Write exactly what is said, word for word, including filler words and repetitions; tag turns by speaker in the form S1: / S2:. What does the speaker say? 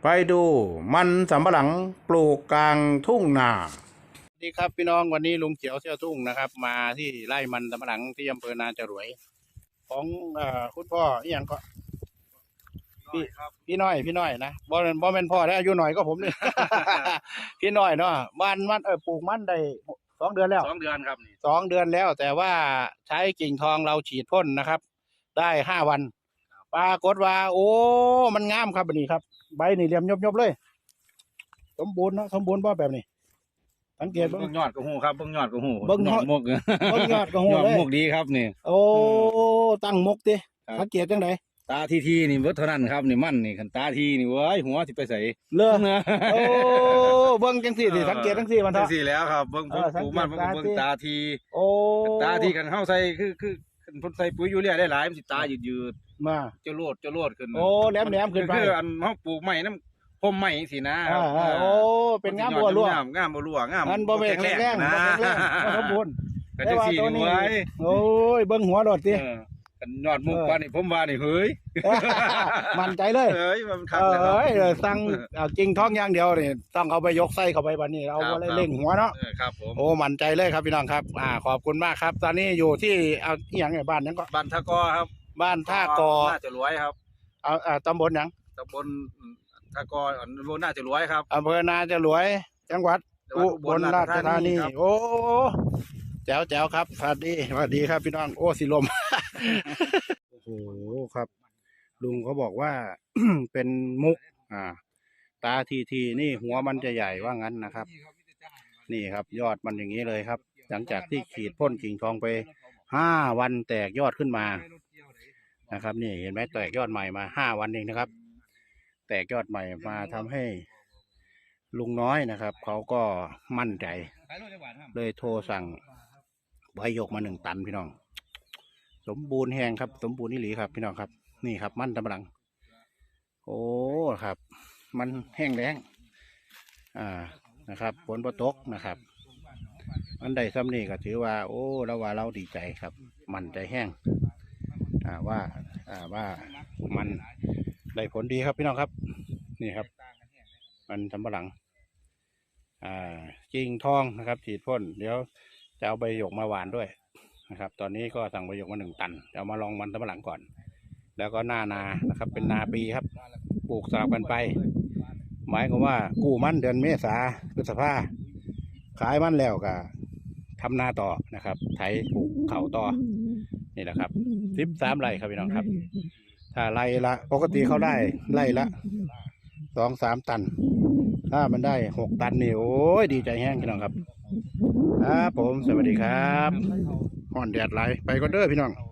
S1: ไปดูมันสำปะหลังปลูกกลางทุ่งนาสวัสดีครับพี่น้องวันนี้ลุงเขียวเชี่ยวทุ่งนะครับ มาที่ไร่มันสำปะหลังที่อำเภอนาจรวยของเอ่อคุณพ่ออีหยังก็พี่พี่น้อยพี่น้อยนะบ่เป็นบ่เป็นพ่อแล้วอายุหน่อยก็ผมนี่ พี่น้อยเนาะบ้านมันเออปลูกมันได้สองเดือนแล้ว
S2: สองเดือนครับนี่
S1: สองเดือนแล้ว แต่ว่าใช้กิ่งทองเราฉีดพ่นนะครับ ได้ห้าวันปรากฏว่า โอ้มันงามครับแบบนี้ครับใบนี่เหลี่ยมยบๆเลยสมบูรณ์เนาะสมบูรณ์บ่แบบนี้สังเกตเบิ่
S2: เบิ่
S1: ง
S2: งยอดก็หูครับเบิ่งยอดก็หู
S1: เบิ่งยอด
S2: มุก
S1: เบิ่งยอดก็หู
S2: ยอด
S1: เลย
S2: มุกดีครับนี่
S1: โอ้ตั้งมกติ
S2: ครับ
S1: สังเกตจังได
S2: ตาทีทีนี่เบิดเท่านั้นครับนี่มันนี่คันตาทีนี่เว้ยหัวสิไปใส่
S1: เลือ
S2: นะ
S1: โอ้เบิ่งจังซี่สิสังเกตจังซี่มัน
S2: จั
S1: เถอะ
S2: งสี่แล้วครับเบิ่ง
S1: เอ
S2: เบิ่
S1: อง สัง
S2: ปลูก
S1: เกต
S2: มันเบิ่ง
S1: ตา
S2: เบิ่ง
S1: ที
S2: ตาที
S1: โอ้
S2: ตาทีกันเฮาใส่คือคือคือพ่นใส่ปุ๋ยยูเรียได้หลายมันสิตายืด
S1: มา
S2: ๆจะโลดจะโลดขึ้น
S1: โอ้แหลมๆขึ้นไป
S2: คืออันเฮาปลูกใหม่น้ำพมใหม่จังซี่นะครั
S1: อ่าๆโอ้เป็นงามบัวรั่ว
S2: งามงามบัวรั่วงาม
S1: มันบ่แม่นแข็งแรง
S2: นะ
S1: บ่แข็งแรงบ่สมบูรณ์
S2: ก็จังสี่นี่เว้ย
S1: โอ้ยเบิ่งหัวโดดติ
S2: เออกันยอดมุก
S1: เออ
S2: ว่านี่ผมว่านี่เฮ้ย
S1: มั่นใจเลย
S2: เฮ้ยมันคัก
S1: เอ
S2: เลยครับ
S1: ้ยเออสั่งเอาจริงท้องอย่างเดียวนี่ต้องเอาไปยกไส้เข้าไปบัดนี้เอา
S2: ครับ
S1: อะไรเล่งหัวเนาะ
S2: เออครับผม
S1: โอ้มั่นใจเลยครับพี่น้องครับ อ่าขอบคุณมากครับ ตอนนี้อยู่ที่เอาอีหยังไงบ้านนั้นก็
S2: บ้านทะกอครับ
S1: บ้านท่ากอ
S2: น่าจะรวยครับ
S1: เอาอ่าตำบลหยัง
S2: ตำบลทะกออันบนน่าจะรวยครับ
S1: อำเภอนาจรวย จังหวัด
S2: จังหวั
S1: อุ
S2: ด
S1: บลราชธานี
S2: ครับ
S1: โอ้แจ๋วแจ๋วครับสวัสดีสวัสดีครับพี่น้องโอ้สิลม โอ้โหครับ ลุงเขาบอกว่า เป็นมุก อ่า ตาทีทีนี่หัวมันจะใหญ่ว่างั้นนะครับ นี่ครับ ยอดมันอย่างนี้เลยครับ หลังจากที่ขีดพ่นกิ่งทองไปห้าวันแตกยอดขึ้นมานะครับ นี่เห็นไหมแตกยอดใหม่มาห้าวันเองนะครับ แตกยอดใหม่มาทำให้ลุงน้อยนะครับเขาก็มั่นใจ เลยโทรสั่งใบหยกมาหนึ่งตันพี่น้อง สมบูรณ์แห้งครับ สมบูรณ์นี่หลีครับพี่น้องครับ นี่ครับมันตำลัง โอ้ครับ มันแห้งแล้งอ่านะครับฝนบ่ตกนะครับ อันใดซ้ำนี่ก็ถือว่า โอ้เราว่าเราดีใจครับ มันใจแห้งอ่าว่าอ่าว่ามันได้ผลดีครับพี่น้องครับ นี่ครับ มันสำปะหลัง อ่ากิ่งทองนะครับฉีดพ่นเดี๋ยวจะเอาใบหยกมาหวานด้วยนะครับ ตอนนี้ก็สั่งใบหยกมาหนึ่งตันจะเอามาลองมันสำปะหลังก่อน แล้วก็หน้านานะครับ เป็นนาปีครับ ปลูกสลับกันไป หมายความว่ากู้มันเดือนเมษาพฤษภาขายมันแล้วก็ทำนาต่อนะครับไถปลูกเข่าต่อนี่แหละครับสิบสามไร่ครับพี่น้องครับ ถ้าไร่ละปกติเขาได้ไร่ละสองสามตัน ถ้ามันได้หกตันนี่โอ้ยดีใจแห้งพี่น้องครับครับผมสวัสดีครับห่อนแดดไหลไปก็เด้อพี่น้อง